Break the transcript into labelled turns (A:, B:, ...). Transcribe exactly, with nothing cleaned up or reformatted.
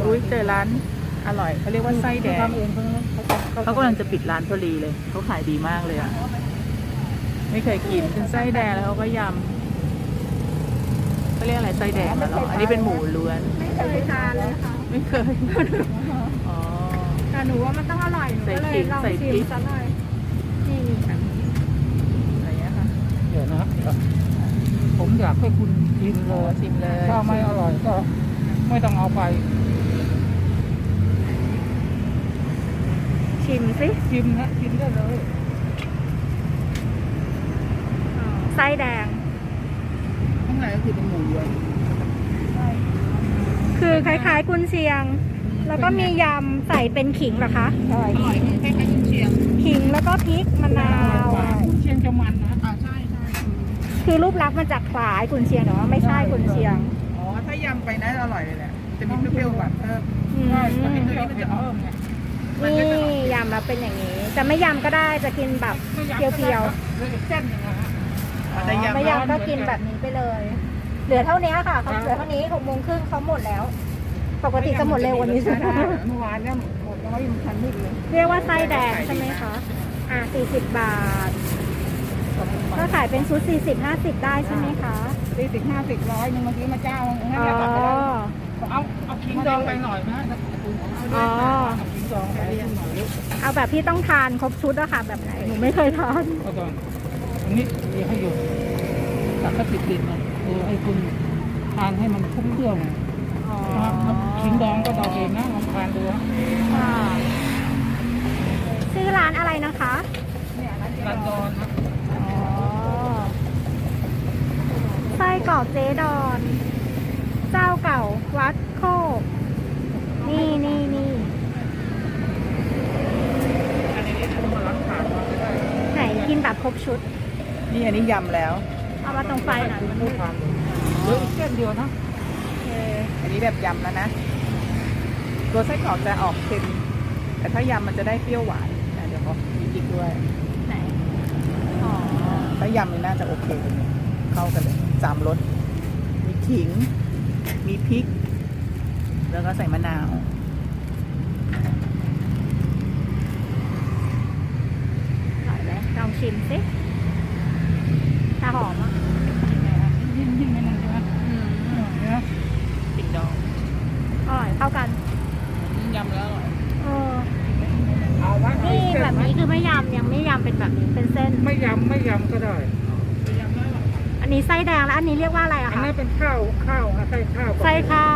A: อุ้ยเจอร้านอร่อยเขาเรียกว่าไส้แดง
B: ทำเองเขาเขา
A: เขากำลังจะปิดร้านพอดีเลยเขาขายดีมากเลยอ่ะไม่เคยกินเป็นไส้แดงแล้วเขาก็ยำเขาเรียกอะไรไส้แดงเหรออันนี้เป็นหมูล้วน
C: ไม่เคยทานเลยค่ะ
A: ไม่เคยอ๋อ
C: แต่หนูว่ามันต้องอร่อยหนูก็เลยลองชิมซะหน่อยนี่นี่ค่ะ
A: อะไรเงี้ยค่ะ
B: เดี๋ยวนะผมอยากให้คุณกินเลย
A: ชิมเลย
B: ถ้าไม่อร่อยก็ไม่ต้องเอาไป
C: ชิมสิ
B: ชิมนะกินได้เลย
C: ไส้แดง
A: ข้างในก็คือเป็นหมูล้วน
C: คือคล้ายๆกุนเชียง แล้วก็มียำใส่เป็นขิงเหรอคะ
B: ใช่
A: อร่อยคล้ายๆกุนเชียง
C: ขิงแล้วก็พริกมะนาว
B: คุณเชียงจะมันนะ
A: อ่าใช่ใช่
C: คือรูปลักษณ์มันจะคล้ายกุนเชียงแต่ว่าไม่ใช่กุนเชียง
A: อ๋อถ้ายำไปนะอร่อยเลยแหละจะมีเปรี้ยวๆหวานเพิ่ม
C: อืม
B: ใช่ตัวนี้มันจะเพิ่มไง
C: นี่ยำมาเป็นอย่างนี้ จะไม่ยำก็ได้จะกินแบบเพียว
B: ๆเส้นอย่างเงี้ยฮะ
C: ๆ
A: แต่ยำ
C: ไม่ยำก็กินแบบนี้ไปเลย เหลือเท่านี้ค่ะเขาเหลือเท่านี้หกโมงครึ่งเขาหมดแล้ว ปกติจะหมดเร็วกวันนี้ใช่ไหม
B: เมื่อวานเนี่ยหมดแล้วยังทันไม่เลย
C: เรียกว่าไส้แดงใช่ไหมคะอ่าสี่สิบบาท ก็ขายเป็นชุดสี่สิบห้าสิบได้ใช่ไหมคะ
B: สี่สิบห้าสิบร้อยหนึ่งเมื่อกี้มาเจ้างั้น
C: อ๋อ
B: จะตัดไปได้เอาเอาขิงดองไปหน่อยนะ
C: อ๋อ
B: เอาขิงดองไปหน่อย
C: เอาแบบที่ต้องทานครบชุดอะค่ะแบบไหนหนูไม่เคยทาน
B: เอาก่อนอันนี้มีให้อยู่ตัดก็ติดดินนะคือให้คุณทานให้มันคุ้มเครื่อง
C: อ๋อ
B: นะครับขิงดองก็ดองเองนะลองทานดูนะ
C: ค่ะชื่อร้านอะไรนะคะ
B: รันดอนนะ
C: อ๋อไส้กรอกเจดอน เจ้าเก่าวัดโคก นี่นี่นี่
B: อันนี้ทำมาล้างผ่านมาไม่ได้
C: ไหนกินแบบครบชุด
A: นี่อันนี้ยำแล้ว
C: เอามาตรงไฟหน่อยมัน
B: ไม่ทานเลยเหลืออีกเส้นเดียวนะ
C: โอเค
A: อันนี้แบบยำแล้วนะ ตัวไส้กรอกจะออกเค็มแต่ถ้ายำมันจะได้เปรี้ยวหวานอ่ะเดี๋ยวเขามีพริกด้วย
C: ไหน อ๋อ
A: ถ้ายำนี่น่าจะโอเคเลยเข้ากันเลยสามรสมีขิง มีพริก แล้วก็ใส่มะนาว
C: อร่อยไหมลองชิมสิถ้าหอมอ่ะ
B: ยิ่งยิ่งไม่นั่นใช่ไหม
C: อืม
B: เนี่ย
A: ติ่งดอง
C: อร่อยเข้ากัน
A: ยำแล้วอร่อย
C: เออ
B: เอาไว้
C: นี่แบบนี้คือไม่ยำยังไม่ยำเป็นแบบนี้เป็นเส้น
B: ไม่ยำไม่ยำก็ได้
C: อันนี้ไส้แดงแล้วอันนี้เรียกว่าอะไรอะ
B: อัน
C: คะ
B: นั้นเป็นข้าวข้าวนะไส้ข้าว
C: ไส้ข้า